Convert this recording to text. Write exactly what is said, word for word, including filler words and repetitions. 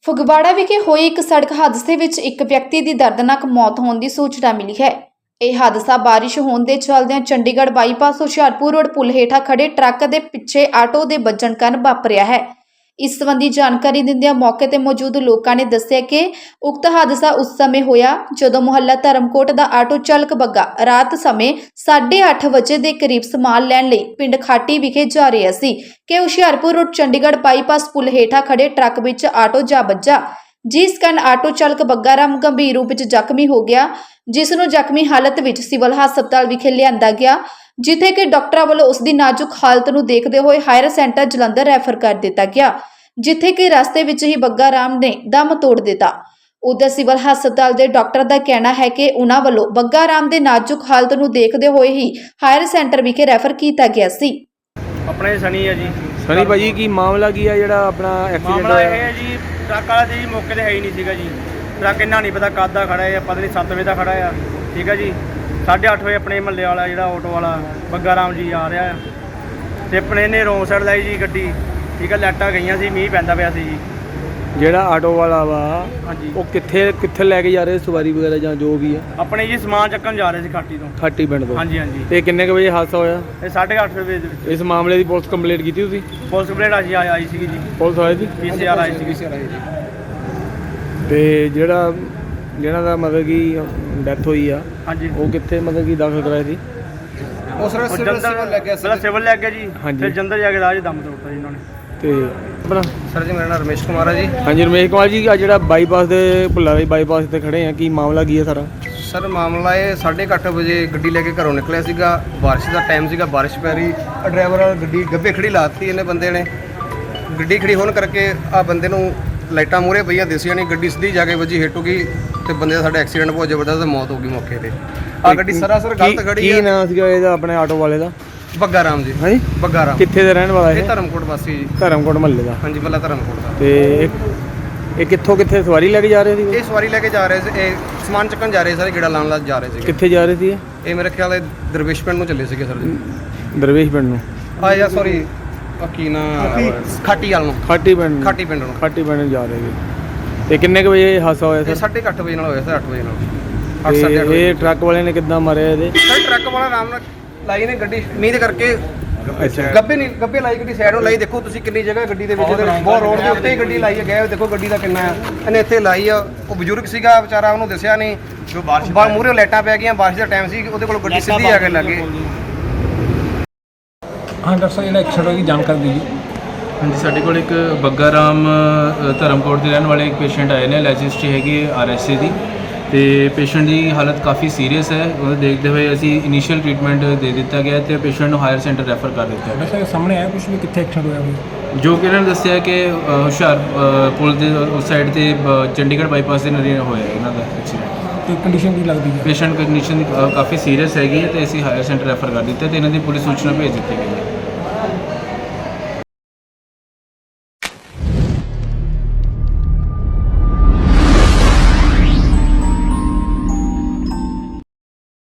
ਫਗਵਾੜਾ ਵਿਖੇ ਹੋਏ ਇੱਕ ਸੜਕ ਹਾਦਸੇ ਵਿੱਚ ਇੱਕ ਵਿਅਕਤੀ ਦੀ ਦਰਦਨਾਕ ਮੌਤ ਹੋਣ ਦੀ ਸੂਚਨਾ ਮਿਲੀ ਹੈ। ਇਹ ਹਾਦਸਾ ਬਾਰਿਸ਼ ਹੋਣ ਦੇ ਚੱਲਦਿਆਂ ਚੰਡੀਗੜ੍ਹ ਬਾਈਪਾਸ ਹੁਸ਼ਿਆਰਪੁਰ ਰੋਡ ਪੁਲ ਹੇਠਾਂ ਖੜੇ ਟਰੱਕ ਦੇ ਪਿੱਛੇ ਆਟੋ ਦੇ ਵੱਜਣ ਕਾਰਨ ਵਾਪਰਿਆ ਹੈ। ਇਸ ਸੰਬੰਧੀ ਜਾਣਕਾਰੀ ਦਿੰਦਿਆਂ ਮੌਕੇ ਤੇ ਮੌਜੂਦ ਲੋਕਾਂ ਨੇ ਦੱਸਿਆ ਕਿ ਉਕਤ ਹਾਦਸਾ ਉਸ ਸਮੇਂ ਹੋਇਆ ਜਦੋਂ ਮੁਹੱਲਾ ਧਰਮਕੋਟ ਦਾ ਆਟੋ ਚਾਲਕ ਬੱਗਾ ਰਾਤ ਸਮੇਂ ਸਾਢੇ ਅੱਠ ਵਜੇ ਦੇ ਕਰੀਬ ਸਮਾਨ ਲੈਣ ਲਈ ਪਿੰਡ ਖਾਟੀ ਵਿਖੇ ਜਾ ਰਿਹਾ ਸੀ ਕਿ ਹੁਸ਼ਿਆਰਪੁਰ ਰੋਡ ਚੰਡੀਗੜ੍ਹ ਬਾਈਪਾਸ ਪੁਲ ਹੇਠਾਂ ਖੜੇ ਟਰੱਕ ਵਿੱਚ ਆਟੋ ਜਾ ਵੱਜਾ, ਜਿਸ ਕਾਰਨ ਆਟੋ ਚਾਲਕ ਬੱਗਾ ਰਾਮ ਗੰਭੀਰ ਰੂਪ ਵਿੱਚ ਜ਼ਖਮੀ ਹੋ ਗਿਆ, ਜਿਸ ਨੂੰ ਜ਼ਖਮੀ ਹਾਲਤ ਵਿੱਚ ਸਿਵਲ ਹਸਪਤਾਲ ਵਿਖੇ ਲਿਆਂਦਾ ਗਿਆ, ਜਿੱਥੇ ਕਿ ਡਾਕਟਰਾਂ ਵੱਲੋਂ ਉਸ ਦੀ ਨਾਜ਼ੁਕ ਹਾਲਤ ਨੂੰ ਦੇਖਦੇ ਹੋਏ ਹਾਇਰ ਸੈਂਟਰ ਜਲੰਧਰ ਰੈਫਰ ਕਰ ਦਿੱਤਾ ਗਿਆ, ਜਿੱਥੇ ਕਿ ਰਸਤੇ ਵਿੱਚ ਹੀ ਬੱਗਾ ਰਾਮ ਨੇ ਦਮ ਤੋੜ ਦਿੱਤਾ। ਉਧਰ ਸਿਵਲ ਹਸਪਤਾਲ ਦੇ ਡਾਕਟਰ ਦਾ ਕਹਿਣਾ ਹੈ ਕਿ ਉਹਨਾਂ ਵੱਲੋਂ ਬੱਗਾ ਰਾਮ ਦੇ ਨਾਜ਼ੁਕ ਹਾਲਤ ਨੂੰ ਦੇਖਦੇ ਹੋਏ ਹੀ ਹਾਇਰ ਸੈਂਟਰ ਵਿਖੇ ਰੈਫਰ ਕੀਤਾ ਗਿਆ ਸੀ। ਆਪਣੇ ਸਣੀ ਹੈ ਜੀ। ਸਣੀ ਭਾਜੀ ਕੀ ਮਾਮਲਾ ਕੀ ਹੈ ਜਿਹੜਾ ਆਪਣਾ ਐਕਸੀਡੈਂਟ ਮਾਮਲਾ ਇਹ ਹੋਇਆ? ਹੈ ਜੀ, ਟਰੱਕ ਵਾਲਾ ਜੀ ਮੌਕੇ ਤੇ ਹੈ ਹੀ ਨਹੀਂ ਸੀਗਾ ਜੀ। ਟਰੱਕ ਇੰਨਾ ਨਹੀਂ ਪਤਾ ਕਦ ਦਾ ਖੜਾ ਹੈ, ਪਤਾ ਨਹੀਂ ਸੱਤ ਵਜੇ ਦਾ ਖੜਾ ਆ, ਠੀਕ ਹੈ ਜੀ। ਸਾਢੇ ਅੱਠ ਵਜੇ ਆਪਣੇ ਮਹੱਲੇ ਵਾਲਾ ਜਿਹੜਾ ਆਟੋ ਵਾਲਾ ਬੱਗਾ ਰਾਮ ਜੀ ਆ ਰਿਹਾ ਆ ਤੇ ਆਪਣੇ ਨੇ ਰੋਂਗ ਸਾਈਡ ਲਾਈ ਜੀ ਗੱਡੀ, ਠੀਕ ਹੈ। ਲਾਈਟਾਂ ਗਈਆਂ ਸੀ, ਮੀਂਹ ਪੈਂਦਾ ਪਿਆ ਸੀ ਜੀ। ਜਿਹੜਾ ਆਟੋ ਵਾਲਾ ਵਾ ਹਾਂਜੀ, ਉਹ ਕਿੱਥੇ ਕਿੱਥੇ ਲੈ ਕੇ ਜਾ ਰਹੇ ਸਵਾਰੀ ਵਗੈਰਾ ਜਾਂ ਜੋ ਵੀ ਆ? ਆਪਣੇ ਜੀ ਸਮਾਨ ਚੱਕਣ ਜਾ ਰਹੇ ਸੀ ਖਾਟੀ ਤੋਂ। ਖਾਟੀ ਪਿੰਡ ਤੋਂ। ਹਾਂਜੀ ਹਾਂਜੀ। ਤੇ ਕਿੰਨੇ ਕੁ ਵਜੇ ਹਾਦਸਾ ਹੋਇਆ? ਇਹ ਸਾਢੇ ਅੱਠ ਵਜੇ ਦੇ ਵਿੱਚ ਇਸ ਮਾਮਲੇ ਦੀ ਪੁਲਿਸ ਕੰਪਲੇਂਟ ਕੀਤੀ ਤੁਸੀਂ? ਪੁਲਿਸ ਕੰਪਲੇਂਟ ਆਈ ਆਈ ਸੀਗੀ ਜੀ। Police I C? P C R I ਸੀਗੀ। ਤੇ ਜਿਹੜਾ ਜਿਹਨਾਂ ਦਾ ਮਤਲਬ ਕਿ ਡੈਥ ਹੋਈ ਆ ਹਾਂਜੀ, ਉਹ ਕਿੱਥੇ ਮਤਲਬ ਕਿ ਦਾਖਲ ਕਰਾਇਆ ਸੀ? ਉਸ ਸਿਵਲ ਲੱਗ ਗਿਆ ਸੀ। ਸਿਵਲ ਲੱਗ ਗਿਆ ਜੀ। ਹਾਂਜੀ। ਫਿਰ ਜੰਦਰ ਜਾ ਕੇ ਰਾਜ ਦਮ ਤੋੜਤਾ ਜੀ ਇਹਨਾਂ ਨੇ। ਤੇ ਆਪਣਾ ਸਰ ਜੀ, ਮੇਰਾ ਨਾਮ ਰਮੇਸ਼ ਕੁਮਾਰ ਹੈ ਜੀ। ਹਾਂਜੀ ਰਮੇਸ਼ ਕੁਮਾਰ ਜੀ, ਆ ਜਿਹੜਾ ਬਾਈਪਾਸ ਦੇ ਭੁੱਲਾ ਦੇ ਬਾਈਪਾਸ ਤੇ ਖੜੇ ਆ, ਕੀ ਮਾਮਲਾ ਕੀ ਹੈ ਸਾਰਾ? ਸਰ ਮਾਮਲਾ ਇਹ ਸਾਢੇ ਕੁ ਅੱਠ ਵਜੇ ਗੱਡੀ ਲੈ ਕੇ ਘਰੋਂ ਨਿਕਲਿਆ ਸੀਗਾ। ਬਾਰਿਸ਼ ਦਾ ਟਾਈਮ ਸੀਗਾ, ਬਾਰਿਸ਼ ਪੈ ਰਹੀ। ਡਰਾਈਵਰ ਵਾਲਾ ਗੱਡੀ ਗੱਬੇ ਖੜੀ ਲਾਤੀ ਇਹਨੇ ਬੰਦੇ ਨੇ। ਗੱਡੀ ਖੜੀ ਹੋਣ ਕਰਕੇ ਆ ਬੰਦੇ ਨੂੰ ਲਾਈਟਾਂ ਮੂਹਰੇ ਪਈਆਂ ਦਿਸੀਆਂ ਨਹੀਂ, ਗੱਡੀ ਸਿੱਧੀ ਜਾ ਕੇ ਵੱਜੀ, ਹਿੱਟ ਹੋ ਗਈ ਤੇ ਬੰਦੇ ਦਾ ਸਾਡਾ ਐਕਸੀਡੈਂਟ ਬਹੁਤ ਜ਼ਬਰਦਸਤ ਤੇ ਮੌਤ ਹੋ ਗਈ ਮੌਕੇ ਤੇ। ਆ ਗੱਡੀ ਸਰਾਸਰ ਗਲਤ ਖੜੀ ਕੀ ਹੈ। ਨਾਂ ਸੀਗਾ ਇਹਦਾ ਆਪਣੇ ਆਟੋ ਵਾਲੇ ਦਾ? ਬੱਗਾ ਰਾਮ ਜੀ। ਹਾਂਜੀ ਬੱਗਾ ਰਾਮ ਕਿੱਥੇ ਦਾ ਰਹਿਣ ਵਾਲਾ ਇਹ ਇਹ? ਧਰਮਕੋਟ ਵਾਸੀ ਜੀ। ਧਰਮਕੋਟ ਮਹੱਲੇ ਦਾ। ਹਾਂਜੀ, ਬੱਲਾ ਧਰਮਕੋਟ ਦਾ। ਤੇ ਇਹ- ਇਹ ਕਿੱਥੋਂ ਕਿੱਥੇ ਸਵਾਰੀ ਲੈ ਕੇ ਜਾ ਰਹੇ ਸੀ? ਇਹ ਸਵਾਰੀ ਲੈ ਕੇ ਜਾ ਰਹੇ ਸੀ, ਇਹ ਸਮਾਨ ਚੱਕਣ ਜਾ ਰਹੇ ਸਾਰੇ, ਗੇੜਾ ਲਾਉਣ ਲਾ ਜਾ ਰਹੇ ਸੀ। ਕਿੱਥੇ ਜਾ ਰਹੇ ਸੀ ਇਹ? ਇਹ ਮੇਰੇ ਖਿਆਲ ਇਹ ਦਰਵੇਸ਼ ਪਿੰਡ ਨੂੰ ਚੱਲੇ ਸੀਗੇ ਸਰ ਜੀ। ਦਰਵੇਸ਼ ਪਿੰਡ ਨੂੰ? ਆ ਯਾ ਸੌਰੀ ਕੀ ਨਾ ਖਾਟੀ ਵਾਲ ਨੂੰ। ਖਾਟੀ ਪਿੰਡ ਨੂੰ? ਖਾਟੀ ਪਿੰਡ ਨੂੰ। ਖਾਟੀ ਪਿੰਡ ਨੂੰ ਜਾ ਰਹੇ ਸੀ। ਤੇ ਕਿੰਨੇ ਕੁ ਵਜੇ ਹਾਦਸਾ ਹੋਇਆ ਇਹ ਸਰ? ਸਾਢੇ ਕੁ ਅੱਠ ਵਜੇ ਨਾਲ ਹੋਇਆ ਸਰ, ਅੱਠ ਵਜੇ ਨਾਲ। ਅੱਠ ਤੇ ਸਾਢੇ ਅੱਠ ਵਜੇ। ਇਹ ਟਰੱਕ ਵਾਲੇ ਨੇ ਕਿੱਦਾਂ ਮਾਰਿਆ ਇਹਦੇ? ਸਰ ਟਰੱਕ ਵਾਲਾ ਆਰਾਮ ਨਾਲ ਲਾਈ ਨੇ ਗੱਡੀ, ਮੀਂਹ ਦੇ ਕਰਕੇ ਅੱਛਾ। ਗੱਬੇ ਨਹੀਂ ਗੱਬੇ ਲਾਈ ਗੱਡੀ ਸਾਈਡ ਨੂੰ ਲਾਈ। ਦੇਖੋ ਤੁਸੀਂ ਕਿੰਨੀ ਜਗ੍ਹਾ ਗੱਡੀ ਦੇ ਵਿੱਚ, ਬਹੁਤ ਰੋਡ ਦੇ ਉੱਤੇ ਹੀ ਗੱਡੀ ਲਾਈ ਹੈ। ਗਏ ਦੇਖੋ ਗੱਡੀ ਦਾ ਕਿੰਨਾ ਹੈ। ਇਹਨੇ ਇੱਥੇ ਲਾਈ ਆ। ਉਹ ਬਜ਼ੁਰਗ ਸੀਗਾ ਵਿਚਾਰਾ, ਉਹਨੂੰ ਦੱਸਿਆ ਨਹੀਂ। ਜੋ ਬਾਰਿਸ਼ ਮੂਹਰੇ ਲਾਈਟਾਂ ਪੈ ਗਈਆਂ, ਬਾਰਿਸ਼ ਦਾ ਟਾਈਮ ਸੀ, ਉਹਦੇ ਕੋਲ ਗੱਡੀ ਸਿੱਧੀ ਆ ਕੇ ਲੱਗੇ। ਹਾਂ ਡਾਕਟਰ ਸਾਹਿਬ, ਜਿਹੜਾ ਐਕਸੀਡੈਂਟ ਹੋਈ ਜਾਣਕਾਰੀ ਦਿਓ। ਹਾਂਜੀ, ਸਾਡੇ ਕੋਲ ਇੱਕ ਬੱਗਾ ਰਾਮ ਅ, ਧਰਮਕੋਟ ਦੇ ਰਹਿਣ ਵਾਲੇ ਇੱਕ ਪੇਸ਼ੈਂਟ ਆਏ ਨੇ। ਲੈਜ ਹਿਸਟਰੀ ਹੈਗੀ ਆਰ ਐਸ ਏ ਦੀ, ਤੇ ਪੇਸ਼ੈਂਟ ਦੀ ਹਾਲਤ ਕਾਫੀ ਸੀਰੀਅਸ ਹੈ। ਉਹਨੂੰ ਦੇਖਦੇ ਹੋਏ ਅਸੀਂ ਇਨੀਸ਼ੀਅਲ ਟ੍ਰੀਟਮੈਂਟ ਦੇ ਦਿੱਤਾ ਗਿਆ ਤੇ ਪੇਸ਼ੈਂਟ ਨੂੰ ਹਾਇਰ ਸੈਂਟਰ ਰੈਫਰ ਕਰ ਦਿੱਤਾ ਡਾਕਟਰ ਸਾਹਿਬ ਸਾਹਮਣੇ ਆਇਆ ਕੁਝ ਵੀ ਕਿੱਥੇ ਐਕਸੀਡੈਂਟ ਹੋਇਆ ਹੋਇਆ? ਜੋ ਕਿ ਇਹਨਾਂ ਨੇ ਦੱਸਿਆ ਕਿ ਅ, ਹੁਸ਼ਿਆਰ ਅ, ਪੁਲ ਦੇ ਉਸ ਸਾਈਡ ਤੇ ਬ- ਚੰਡੀਗੜ੍ਹ ਬਾਈਪਾਸ ਦੇ ਨੇੜੇ ਹੋਇਆ ਇਹਨਾਂ ਦਾ ਐਕਸੀਡੈਂਟ। ਤੇ ਕੰਡੀਸ਼ਨ ਕੀ ਲੱਗਦੀ ਹੈ? ਪੇਸ਼ੈਂਟ ਕੰਡੀਸ਼ਨ ਕਾਫੀ ਸੀਰੀਅਸ ਹੈਗੀ ਹੈ ਤੇ ਅਸੀਂ ਹਾਇਰ ਸੈਂਟਰ ਰੈਫਰ ਕਰ ਦਿੱਤਾ ਤੇ ਇਹਨਾਂ ਦੀ ਪੁਲਿਸ ਸੂਚਨਾ ਭੇਜ ਦਿੱਤੀ ਗਈ ਹੈ।